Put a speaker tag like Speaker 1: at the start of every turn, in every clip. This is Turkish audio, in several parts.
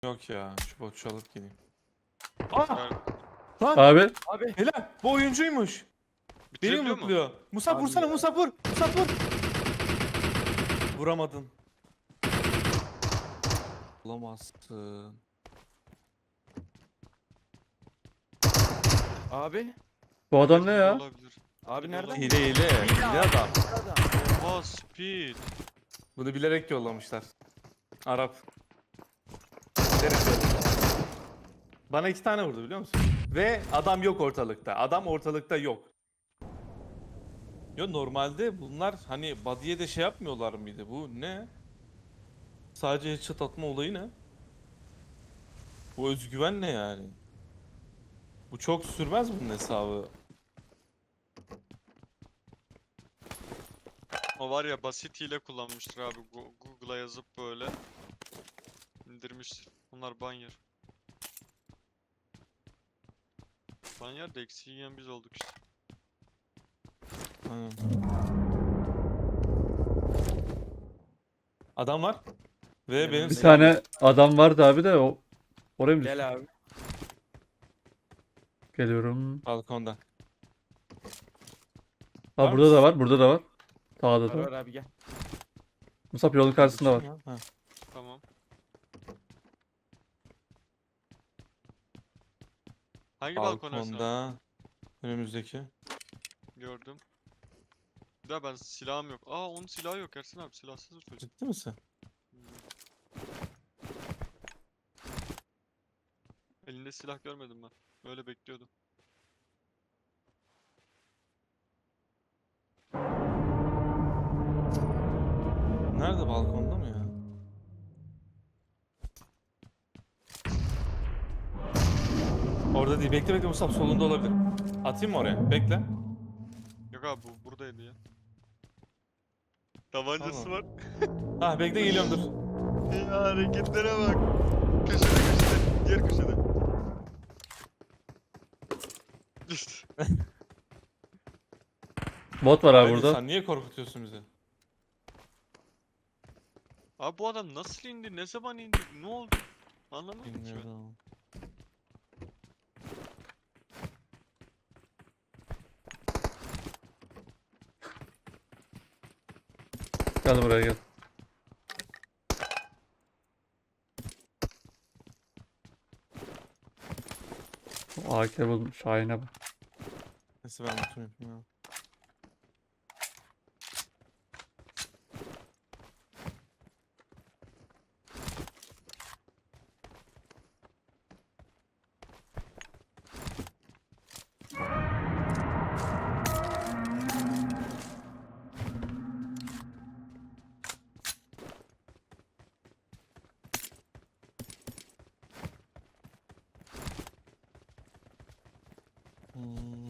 Speaker 1: Yok ya, şu botçu alıp geleyim.
Speaker 2: Aa!
Speaker 1: Lan
Speaker 3: Abi
Speaker 2: Abi
Speaker 1: helal, bu oyuncuymuş. Beni
Speaker 4: Bitirebiliyor mu?
Speaker 1: yumrukluyor. Musab
Speaker 2: Abi
Speaker 1: vursana,
Speaker 2: ya.
Speaker 1: Musab vur. Musab vur. Vuramadın. Olamazsın.
Speaker 2: abi
Speaker 3: bu adam ne
Speaker 4: Hile
Speaker 3: ya?
Speaker 4: olabilir.
Speaker 2: abi nereden?
Speaker 1: Hile hile. Hile adam.
Speaker 2: Adam.
Speaker 4: Oha speed.
Speaker 1: Bunu bilerek yollamışlar. Arap. Bilerek yollamışlar. Bana 2 tane vurdu biliyor musun? Ve adam yok ortalıkta. Adam ortalıkta yok. Yo, normalde bunlar hani body'ye de şey yapmıyorlar mıydı? Bu ne? Sadece headshot atma olayı ne? Bu özgüven ne yani? Bu çok sürmez bunun hesabı.
Speaker 4: O var ya basit hile kullanmıştır abi. Google'a yazıp böyle indirmiştir. Bunlar banyer. Banyer de eksiği yiyen biz olduk işte.
Speaker 1: Aynen. Adam var. Ve benim
Speaker 3: Bir
Speaker 1: silahım
Speaker 3: tane
Speaker 1: yok.
Speaker 3: adam vardı abi de o oraya mı düştü?
Speaker 2: Gel abi.
Speaker 3: Geliyorum.
Speaker 1: Balkonda.
Speaker 3: Ha
Speaker 1: Var
Speaker 3: burada da
Speaker 1: mısın?
Speaker 3: var, burada da var. Sağda
Speaker 2: Var
Speaker 3: da
Speaker 2: var
Speaker 3: var.
Speaker 2: abi gel.
Speaker 3: Musab yolun karşısında var.
Speaker 1: Ha.
Speaker 4: Tamam. Hangi balkon Ersin abi?
Speaker 1: Balkonda. Önümüzdeki.
Speaker 4: Gördüm. Bir daha ben silahım yok. Aa onun silahı yok Ersin abi. Silahsız bir çocuk.
Speaker 1: Ciddi misin?
Speaker 4: Elinde silah görmedim ben. Öyle bekliyordum.
Speaker 1: Nerede, balkonda mı ya? Orada değil. Bekle bekle Musab, solunda olabilir. Atayım mı oraya? Bekle.
Speaker 4: Yok abi bu buradaydı ya. Tabancası
Speaker 1: Tamam.
Speaker 4: var.
Speaker 1: Ha bekle, geliyorum dur.
Speaker 4: Ya hareketlere bak. Köşede köşede. Diğer köşede. İşte.
Speaker 3: Bot var abi
Speaker 1: Haydi,
Speaker 3: burada.
Speaker 1: sen niye korkutuyorsun bizi?
Speaker 4: Abi bu adam nasıl indi? Ne zaman indi? Ne oldu? Anlamadım ki ben.
Speaker 1: Bilmiyorum.
Speaker 3: Gel buraya gel. O AK buldum. Şahin'e bak.
Speaker 1: Neyse ben lootumu yapayım ya. Hmm.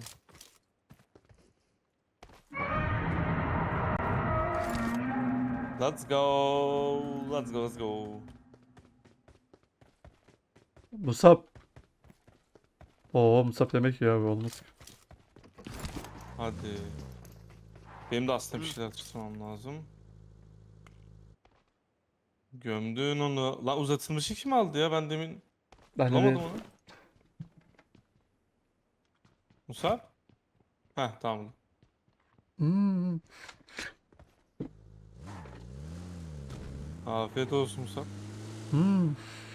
Speaker 1: Let's go. Let's go. Let's go.
Speaker 3: Musab. Oo Musab demek ya abi olmaz.
Speaker 1: Hadi. Benim de aslında bir şeyler tutmam lazım. Gömdün onu. Lan uzatılmışı kim aldı ya? Ben demin
Speaker 3: Ben de
Speaker 1: bulamadım
Speaker 3: bir-
Speaker 1: onu. Musab? Heh, tamam.
Speaker 3: Hmm.
Speaker 1: Afiyet olsun Musab.
Speaker 3: Hmm.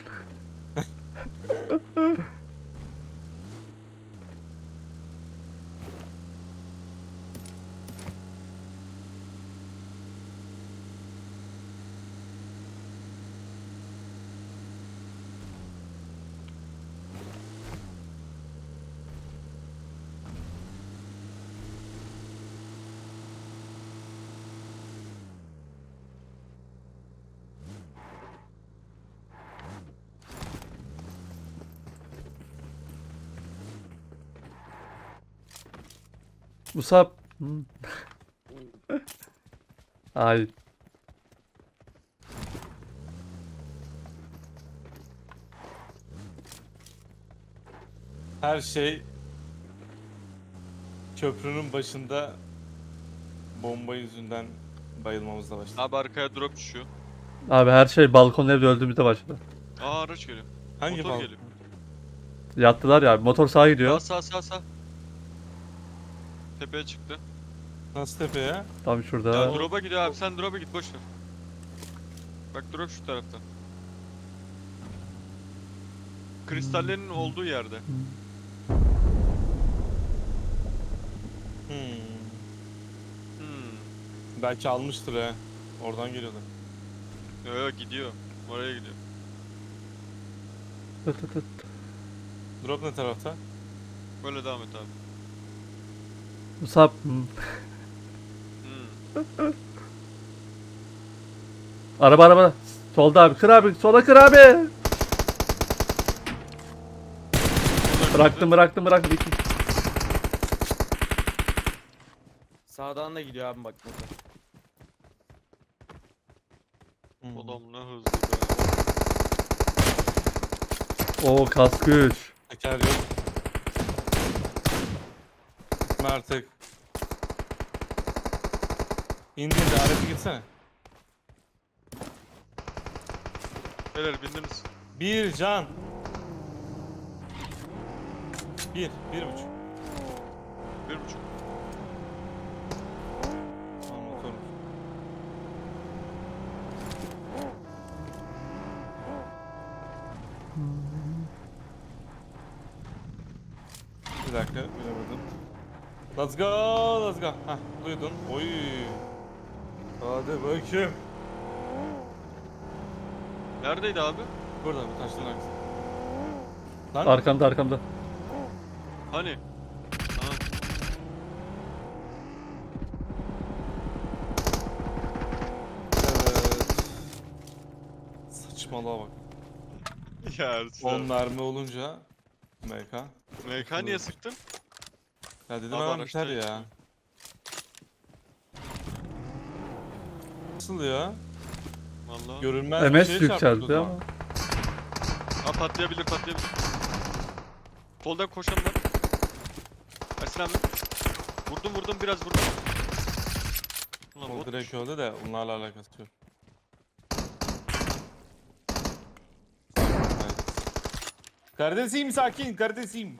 Speaker 3: Musab. Hmm. Ay.
Speaker 1: Her şey köprünün başında bomba yüzünden bayılmamızla başladı.
Speaker 4: Abi arkaya drop düşüyor.
Speaker 3: Abi her şey balkon evde öldüğümüzde başladı.
Speaker 4: Aa araç geliyor.
Speaker 1: Hangi
Speaker 4: Motor
Speaker 1: bal?
Speaker 4: geliyor.
Speaker 3: Yattılar ya. Motor sağa gidiyor.
Speaker 4: Sağ. Tepeye çıktı.
Speaker 1: Nasıl tepe ya?
Speaker 3: Tam
Speaker 4: Ya
Speaker 3: şurada.
Speaker 4: drop'a gidiyor abi, sen drop'a git, boş ver. Bak drop şu tarafta. Kristallerin olduğu yerde.
Speaker 1: Hmm.
Speaker 4: Hmm.
Speaker 1: Belki almıştır he. Oradan geliyordu.
Speaker 4: Yo gidiyor. Oraya gidiyor.
Speaker 3: Tut tut tut.
Speaker 1: Drop ne tarafta?
Speaker 4: Böyle devam et abi.
Speaker 3: Musab.
Speaker 4: Hmm.
Speaker 3: Araba. Solda abi. Kır abi. Sola kır abi. Bıraktım. İki.
Speaker 2: Sağdan da gidiyor abi bak motor.
Speaker 1: Hmm.
Speaker 4: Adam ne hızlı be.
Speaker 3: Oo kask 3.
Speaker 1: Teker yok. Gitme artık. İndi aracı gitsene.
Speaker 4: Beyler bindiniz.
Speaker 1: Bir can. Bir buçuk.
Speaker 4: 1.5.
Speaker 1: Tamam motor. Bir dakika bilemedim. Let's go. Hah duydun. Oy. Hadi bakayım.
Speaker 4: Neredeydi abi?
Speaker 1: Burada bu taşların arkasında. Lan
Speaker 3: Arkamda.
Speaker 4: Hani? Ha.
Speaker 1: evet. Saçmalığa bak.
Speaker 4: Ya Ersin
Speaker 1: 10
Speaker 4: abi.
Speaker 1: mermi olunca MK.
Speaker 4: MK niye sıktın?
Speaker 1: Ya dedim
Speaker 4: Abi
Speaker 1: hemen
Speaker 4: araçta
Speaker 1: biter ya.
Speaker 4: yetmiyor.
Speaker 1: Nasıl ya?
Speaker 4: Vallahi.
Speaker 1: Görünmez bir
Speaker 3: MS
Speaker 1: şeye
Speaker 3: yükseldi
Speaker 1: çarptık o zaman.
Speaker 3: ama.
Speaker 4: Ha patlayabilir. Soldan koşan var. Ersin abi. Vurdum biraz vurdum. Ulan
Speaker 1: O
Speaker 4: bot.
Speaker 1: direkt öldü de onlarla alakası yok. Evet. Kardeşim sakin kardeşim.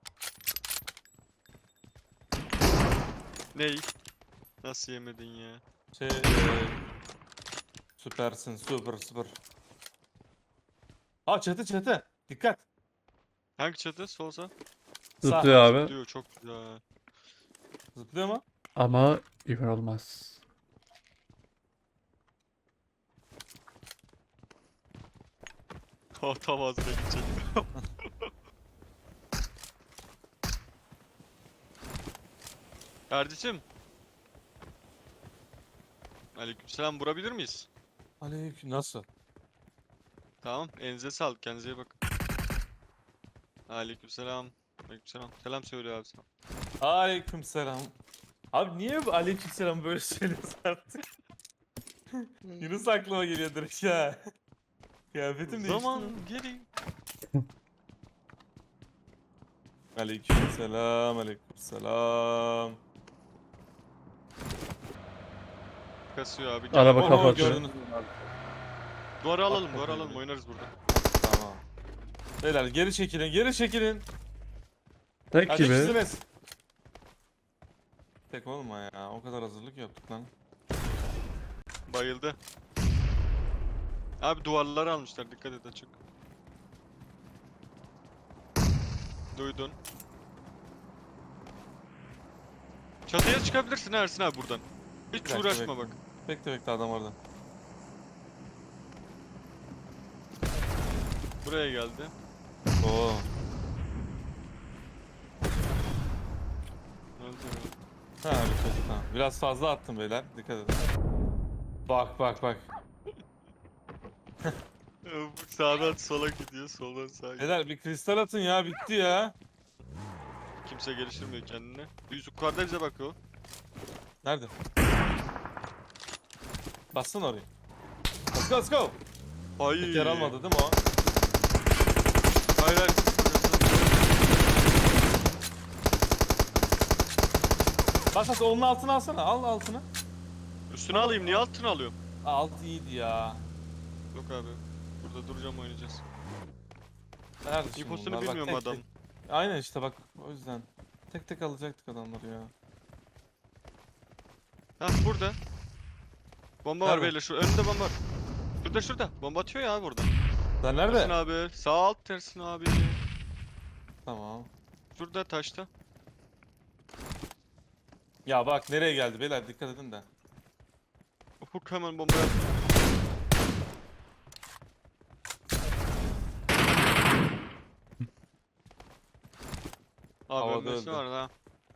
Speaker 4: Ney? Nasıl yemedin ya?
Speaker 1: Süpersin süper. Aa çatı. Dikkat.
Speaker 4: Hangi çatı? Solsa?
Speaker 3: Zıplıyor abi.
Speaker 4: Diyor çok güzel.
Speaker 1: Zıplıyor mu?
Speaker 3: Ama güven olmaz.
Speaker 4: Oh tam ağzına gidecek. Erdicim. Aleykümselam, vurabilir miyiz?
Speaker 1: Aleyküm nasıl?
Speaker 4: Tamam, elinize sağlık, kendinize iyi bakın. Aleykümselam. Selam söylüyor abi sana.
Speaker 1: Aleykümselam. Abi niye bu aleykümselam böyle söylüyorsun artık? Yunus aklıma geliyor direkt ya. Kıyafetim değişti
Speaker 4: Zaman
Speaker 1: mi?
Speaker 4: geri.
Speaker 1: Aleykümselam.
Speaker 4: Kasıyor abi.
Speaker 3: Araba
Speaker 1: Oo,
Speaker 3: kapatıyor.
Speaker 1: gördünüz.
Speaker 4: Duvarı alalım,
Speaker 1: Hakikaten.
Speaker 4: oynarız burada.
Speaker 1: Tamam. Beyler geri çekilin.
Speaker 3: Tek
Speaker 1: Kaç
Speaker 3: gibi.
Speaker 1: kişisiniz? Tek olma ya. O kadar hazırlık yaptık lan.
Speaker 4: Bayıldı. Abi duvarları almışlar, dikkat et açık. Duydun. Çatıya çıkabilirsin Ersin abi buradan. Hiç
Speaker 1: Bir dakika,
Speaker 4: uğraşma
Speaker 1: bekle.
Speaker 4: bak.
Speaker 1: Bekle adam orada.
Speaker 4: Buraya geldi.
Speaker 1: Oo.
Speaker 4: Öldü.
Speaker 1: Ha bir çocuk tamam. Biraz fazla attım beyler. Dikkat edin. Bak.
Speaker 4: Sağdan sola gidiyor, soldan sağa gidiyor.
Speaker 1: Beyler bir kristal atın ya. Bitti ya.
Speaker 4: Kimse geliştirmiyor kendini. Yüz yukarıda bize bakıyor.
Speaker 1: Nerede? Bassana oraya. Let's go.
Speaker 4: Hayır.
Speaker 1: Teker almadı değil mi o?
Speaker 4: Hayır.
Speaker 1: Bas onun altına alsana. Al altına.
Speaker 4: Üstüne alayım, niye altına alıyorum?
Speaker 1: Alt iyiydi ya.
Speaker 4: Yok abi. burada. Duracağım oynayacağız.
Speaker 1: Nerede şimdi
Speaker 4: İnfosunu
Speaker 1: bunlar? Bak,
Speaker 4: bilmiyorum
Speaker 1: tek
Speaker 4: adam.
Speaker 1: tek. Aynen işte bak o yüzden. Tek tek alacaktık adamları ya.
Speaker 4: Ha burada. Bomba var
Speaker 1: Nerede?
Speaker 4: beyler. Şu önünde bomba var. Şurada. Bomba atıyor ya burada.
Speaker 1: Sen
Speaker 4: Tersin
Speaker 1: nerede?
Speaker 4: abi. Sağ alt tersin abi.
Speaker 1: Tamam.
Speaker 4: Şurada taşta.
Speaker 1: Ya bak nereye geldi beyler dikkat edin de.
Speaker 4: Ufuk hemen bomba yaptı. Abi
Speaker 1: Havada
Speaker 4: ölmesi
Speaker 1: öldü.
Speaker 4: var ha.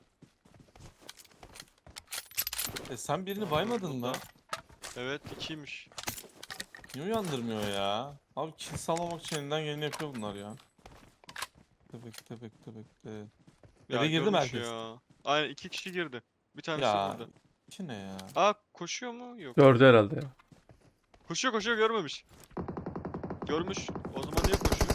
Speaker 1: Sen birini baymadın mı?
Speaker 4: Evet 2'ymiş.
Speaker 1: Niye uyandırmıyor ya? Abi kill salmamak için elinden geleni yapıyor bunlar ya. Bekle.
Speaker 4: Ya
Speaker 1: Eve girdi mi
Speaker 4: görmüş
Speaker 1: herkes?
Speaker 4: ya. Aynen 2 kişi girdi. Bir tanesi
Speaker 1: Ya
Speaker 4: burada.
Speaker 1: iki ne ya?
Speaker 4: Aa koşuyor mu? Yok.
Speaker 3: Gördü herhalde ya.
Speaker 4: Koşuyor görmemiş. Görmüş. O zaman niye koşuyor?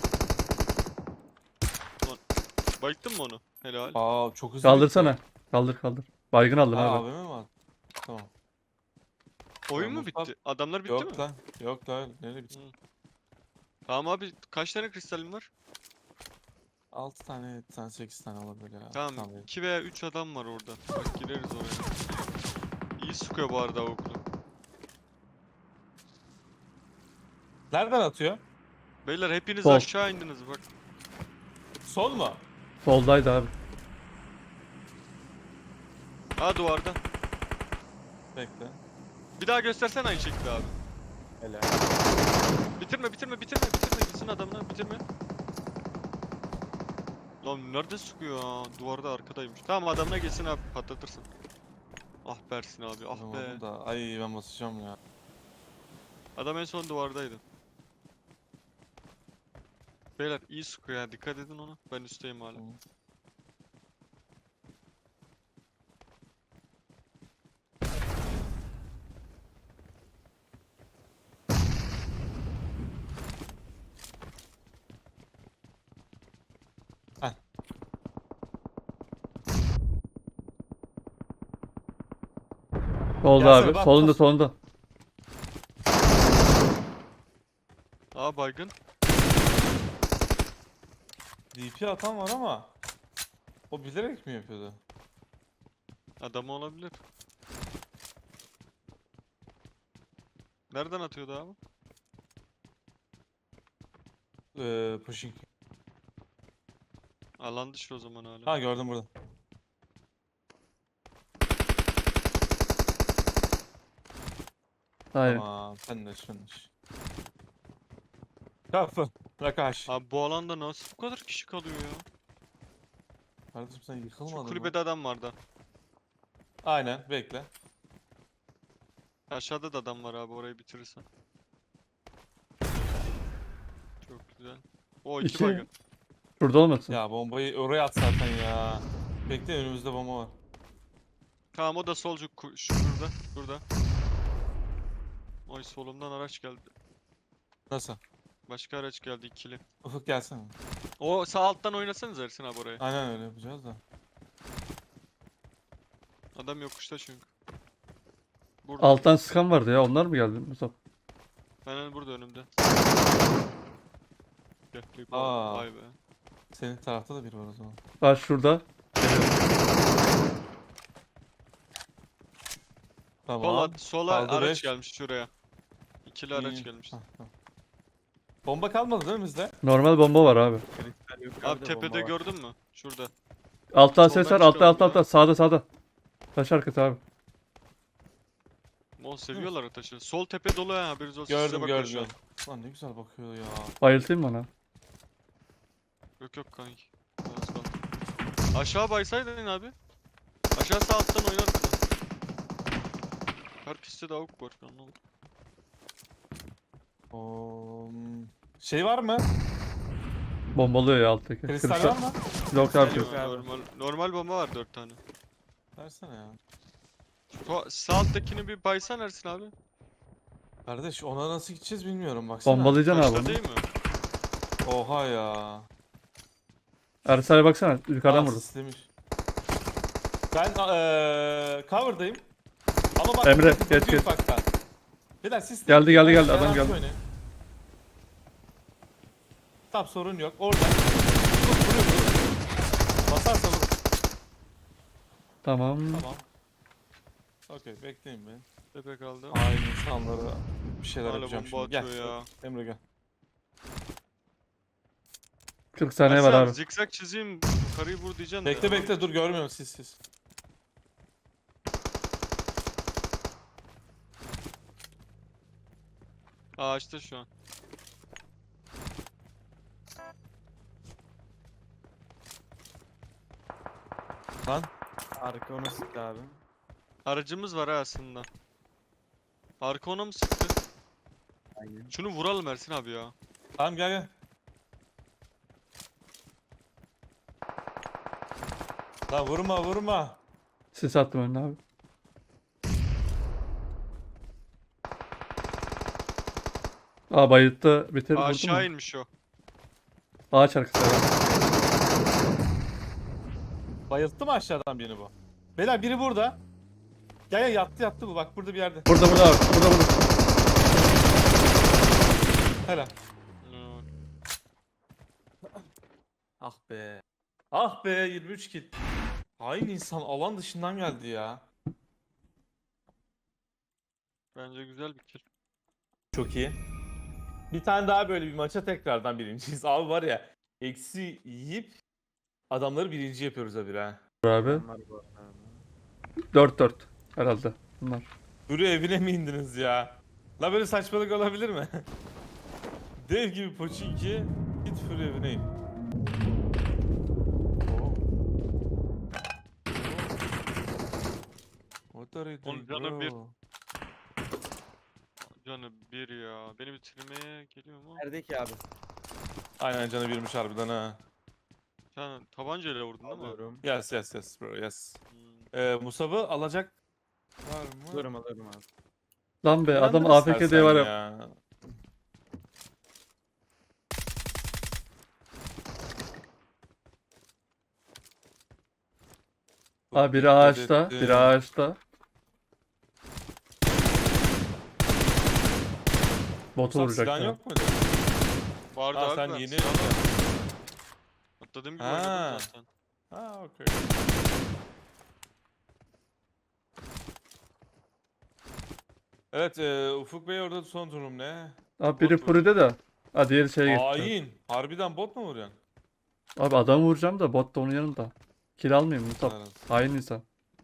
Speaker 4: Lan. Bayıttın mı onu? Helal.
Speaker 1: Aa çok hızlı
Speaker 3: Kaldırsana.
Speaker 1: bitti.
Speaker 3: Kaldır. Baygın aldım
Speaker 1: Aa
Speaker 3: abi.
Speaker 1: AVM mi var? Tamam.
Speaker 4: Oyun mu
Speaker 1: Mustafa-
Speaker 4: bitti? Adamlar bitti
Speaker 1: Yok
Speaker 4: mi?
Speaker 1: lan. Yok lan. Nereye bitti?
Speaker 4: Tamam abi kaç tane kristalim var?
Speaker 1: 6 tane, 7 tane, 8 tane olabilir ya.
Speaker 4: Tamam 2 veya 3 adam var orada. Bak gireriz oraya. İyi sıkıyor bu arada okulu.
Speaker 1: Nereden atıyor?
Speaker 4: Beyler hepiniz
Speaker 3: Sol.
Speaker 4: aşağı indiniz bak.
Speaker 1: Sol mu?
Speaker 3: Soldaydı abi.
Speaker 4: Ha duvarda.
Speaker 1: Bekle.
Speaker 4: Bir daha göstersen aynı şekilde abi.
Speaker 2: Hele.
Speaker 4: Bitirme. Gitsin adamlar bitirme. Lan nerede sıkıyor ya? Duvarda arkadaymış. Tamam adamına gelsin abi patlatırsın. Ah Bersin abi ah be.
Speaker 1: Vuramadım da. Ay ben basacağım ya.
Speaker 4: Adam en son duvardaydı. Beyler iyi sıkıyor ya dikkat edin ona. Ben üstteyim hala.
Speaker 1: Tamam. Heh.
Speaker 3: Solda
Speaker 1: Gelsene,
Speaker 3: abi.
Speaker 1: bak,
Speaker 3: Solunda
Speaker 1: bas.
Speaker 3: solunda.
Speaker 4: Aa baygın.
Speaker 1: DP atan var ama o bilerek mi yapıyordu?
Speaker 4: Adam olabilir. Nereden atıyordu abi?
Speaker 1: Pushing.
Speaker 4: Alan dışı o zaman hala.
Speaker 1: Ha gördüm burada.
Speaker 3: Hayır.
Speaker 1: Tamam finish. Kapı. Rakaş.
Speaker 4: Abi bu alanda nasıl bu kadar kişi kalıyor ya?
Speaker 1: Kardeşim sen
Speaker 4: Şu
Speaker 1: yıkılmadın mı?
Speaker 4: kulübede adam vardı.
Speaker 1: Aynen bekle.
Speaker 4: Aşağıda da adam var abi orayı bitirirsen. Çok güzel. O iki
Speaker 3: İki.
Speaker 4: baygın.
Speaker 3: Şurada olmasın.
Speaker 1: Ya bombayı oraya at zaten ya. Bekle önümüzde bomba var.
Speaker 4: Tamam o da solcu şurada. Burada. Oy solumdan araç geldi.
Speaker 1: Nasıl?
Speaker 4: Başka araç geldi ikili.
Speaker 1: Ufuk gelsene.
Speaker 4: O sağ alttan oynasanız Ersin abi oraya.
Speaker 1: Aynen öyle yapacağız da.
Speaker 4: Adam yokuşta çünkü. Burada.
Speaker 3: Alttan sıkan vardı ya. Onlar mı geldi Mustafa?
Speaker 4: Hemen burada önümde. Gel,
Speaker 1: Aa.
Speaker 4: vay be.
Speaker 1: Senin tarafta da biri var o zaman.
Speaker 3: Var şurada.
Speaker 1: Tamam.
Speaker 4: Sola
Speaker 1: Kaldı
Speaker 4: araç
Speaker 1: beş.
Speaker 4: gelmiş şuraya. İkili araç
Speaker 1: İyi.
Speaker 4: gelmiş.
Speaker 1: Hah, tamam. Bomba kalmadı değil mi bizde?
Speaker 3: Normal bomba var abi.
Speaker 4: Abi tepede gördün mü? Şurada.
Speaker 3: Altta
Speaker 4: Soldan
Speaker 3: ses var. Altta
Speaker 4: çıkalım
Speaker 3: altta. Sağda. Taş arkası abi.
Speaker 4: O seviyorlar taşı. Sol tepe dolu ha haberiniz olsun. Size
Speaker 1: Gördüm
Speaker 4: bakıyor şu an.
Speaker 1: gördüm. Lan ne güzel bakıyor ya.
Speaker 3: Bayıltayım mı ona?
Speaker 4: Yok kanki. Az kaldı. Aşağı baysaydın abi. Aşağı sağ alttan oynardın. Herkeste de avuk var. Anlamadım.
Speaker 1: Şey var mı?
Speaker 3: Bombalıyor ya alttaki.
Speaker 1: Kristal var mı?
Speaker 3: Yok abi.
Speaker 4: Yok,
Speaker 2: Yok abi.
Speaker 4: normal bomba var 4 tane.
Speaker 1: Versene ya.
Speaker 4: Sağ alttakini bir baysan Ersin abi.
Speaker 1: Kardeş ona nasıl gideceğiz bilmiyorum baksana.
Speaker 3: Bombalayacaksın abi
Speaker 4: Başta
Speaker 3: onu.
Speaker 4: değil mi?
Speaker 1: Oha ya.
Speaker 3: Ersal'e baksana. Yukarıdan vurdu.
Speaker 1: Sislemiş. Ben cover'dayım. Ama bak
Speaker 3: Emre,
Speaker 1: buradaki
Speaker 3: geç,
Speaker 1: büyük
Speaker 3: geç.
Speaker 1: bakta. Beyler siz
Speaker 3: Geldi,
Speaker 1: Ben
Speaker 3: adam
Speaker 1: garanti
Speaker 3: geldi.
Speaker 1: oynayayım. Tamam sorun yok. Orada. Vur. Basarsa vur.
Speaker 3: Tamam.
Speaker 1: Tamam. Okey bekleyin beni.
Speaker 4: Tepe kaldı.
Speaker 1: Aynı insanlara bir şeyler
Speaker 4: Hala
Speaker 1: yapacağım
Speaker 4: bomba
Speaker 1: şimdi.
Speaker 4: atıyor
Speaker 1: Gel.
Speaker 4: ya.
Speaker 1: Emre gel.
Speaker 3: 40 saniye var
Speaker 4: Ersin
Speaker 3: abi.
Speaker 4: zikzak çizeyim. Yukarıyı vur diyeceksin
Speaker 1: Bekle
Speaker 4: de.
Speaker 1: bekle dur görmüyorum siz.
Speaker 4: Ağaçta şu an.
Speaker 1: Lan.
Speaker 2: Arka onu sıktı abi.
Speaker 4: Aracımız var ha aslında. Arka ona mı sıktı?
Speaker 2: Aynen.
Speaker 4: Şunu vuralım Ersin abi ya.
Speaker 1: Tamam gel. Lan vurma.
Speaker 3: Sis attım önüne abi. Aa bayılttı. Bitir vurdu
Speaker 4: Aşağı
Speaker 3: mu?
Speaker 4: inmiş o.
Speaker 3: Ağaç arkası abi.
Speaker 1: Bayılttı mı aşağıdan birini bu? Beyler biri burada. Gel yattı bu bak burada bir yerde.
Speaker 3: Burada abi. Burada.
Speaker 1: Helal.
Speaker 4: Hmm.
Speaker 1: Ah be 23 kill. Aynı insan alan dışından geldi ya.
Speaker 4: Bence güzel bir kill.
Speaker 1: Çok iyi. Bir tane daha böyle bir maça tekrardan birinciyiz. Abi var ya eksi yiyip adamları birinci yapıyoruz abi ha.
Speaker 3: Abi.
Speaker 2: Onlar bu arada abi.
Speaker 3: 4-4 herhalde. Bunlar.
Speaker 1: Duru evine mi indiniz ya? La böyle saçmalık olabilir mi? Dev gibi Pochinki git Fury evine in. Oo. What are you
Speaker 4: Onun
Speaker 1: doing
Speaker 4: canı bir.
Speaker 1: bro?
Speaker 4: Canı bir ya. Beni bitirmeye geliyor mu?
Speaker 2: Nerede ki abi?
Speaker 1: Aynen canı birmiş harbiden ha.
Speaker 4: Sen tabancayla vurdun değil mi?
Speaker 2: Alıyorum.
Speaker 1: Yes bro yes.
Speaker 4: Hmm.
Speaker 1: Musab'ı alacak var mı?
Speaker 2: Alıyorum abi.
Speaker 3: Lan be adam
Speaker 1: Uyandır
Speaker 3: AFK diye
Speaker 1: istersen
Speaker 3: var ya. Abi biri ağaçta. Biri ağaçta. Botu
Speaker 1: Musab
Speaker 3: vuracak
Speaker 1: silahın
Speaker 3: ya.
Speaker 1: yok muydu?
Speaker 4: Vardı
Speaker 1: Ha
Speaker 4: abi
Speaker 1: sen
Speaker 4: ben
Speaker 1: yeni...
Speaker 4: silahla- Atladığım gibi
Speaker 1: Ha.
Speaker 4: oynadım zaten.
Speaker 1: Ha okey. Evet Ufuk Bey orada son durum ne?
Speaker 3: Abi biri
Speaker 1: Bot vurdu.
Speaker 3: Fury'de de. Ha diğeri şeye gitti.
Speaker 1: Hain. Harbiden bot mu vuruyorsun?
Speaker 3: Abi adamı vuracağım da bot da onun yanında. Kill almayayım Musab.
Speaker 1: Helal olsun.
Speaker 3: Hain insan.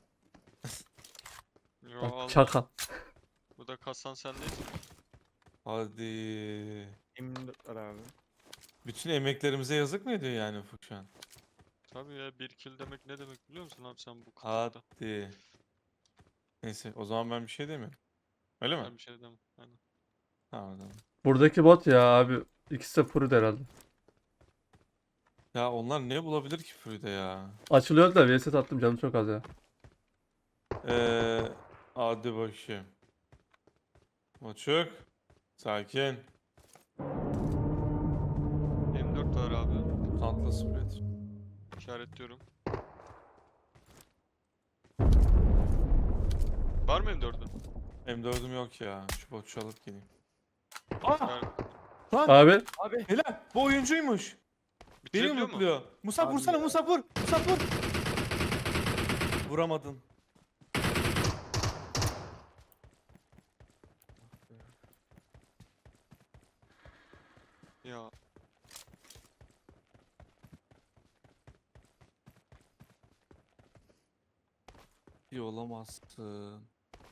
Speaker 4: Yo,
Speaker 3: Bak
Speaker 4: al.
Speaker 3: çakal.
Speaker 4: Bu da kasan sendeyiz.
Speaker 1: Hadi.
Speaker 2: 24 var abi.
Speaker 1: Bütün emeklerimize yazık mı ediyor yani Ufuk şu an?
Speaker 4: Tabii ya bir kill demek ne demek biliyor musun abi sen bu kıtlıkta?
Speaker 1: Hadi. Neyse o zaman ben bir şey demiyorum. Öyle mi?
Speaker 4: Ben bir şey demem. Aynen.
Speaker 1: Tamam tamam.
Speaker 3: Buradaki bot ya abi. İkisi de Fury'de herhalde.
Speaker 1: Ya onlar ne bulabilir ki Fury'de ya?
Speaker 3: Açılıyor da VS attım canım çok az ya.
Speaker 1: Hadi bakayım. Maçuk. Sakin.
Speaker 4: M4 var abi.
Speaker 1: Tantla spread.
Speaker 4: İşaretliyorum. Var mı M4'ün?
Speaker 1: M4'üm yok ya. Şu botçu alıp geleyim.
Speaker 4: İşaret...
Speaker 1: Lan
Speaker 3: Abi
Speaker 2: Abi.
Speaker 1: helal. Bu oyuncuymuş. Beni
Speaker 4: Bitirebiliyor mu?
Speaker 1: mutluyor. Musab
Speaker 2: Abi
Speaker 1: vursana
Speaker 2: ya.
Speaker 1: Musab vur. Musab vur. Vuramadın.
Speaker 4: Ya
Speaker 1: İyi olamazsın.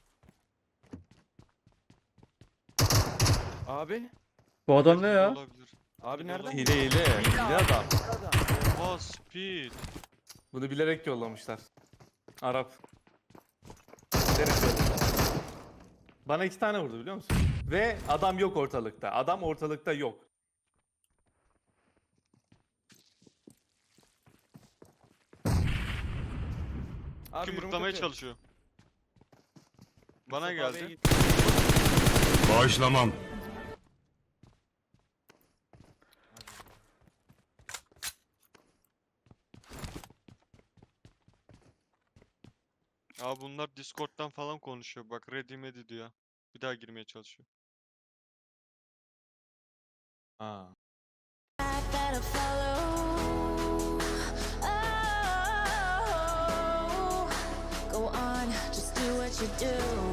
Speaker 2: Abi.
Speaker 3: bu adam ne
Speaker 4: hile
Speaker 3: ya?
Speaker 4: olabilir.
Speaker 2: Abi nereden?
Speaker 1: Hile adam.
Speaker 2: Adam.
Speaker 4: Oha speed.
Speaker 1: Bunu bilerek yollamışlar. Arap. Bilerek yollamışlar. Bana 2 tane vurdu biliyor musun? Ve adam yok ortalıkta. Adam ortalıkta yok.
Speaker 2: Abi
Speaker 4: Kim
Speaker 2: yürüme
Speaker 4: mutlamaya
Speaker 2: kötü.
Speaker 4: çalışıyor. Bana
Speaker 2: Mustafa abiye
Speaker 4: geldi.
Speaker 2: gitti.
Speaker 5: Bağışlamam.
Speaker 4: Abi bunlar Discord'dan falan konuşuyor. Bak ready medi diyor. Bir daha girmeye çalışıyor.
Speaker 1: Ha.
Speaker 6: gotta follow. Oh, go on, just do what you do.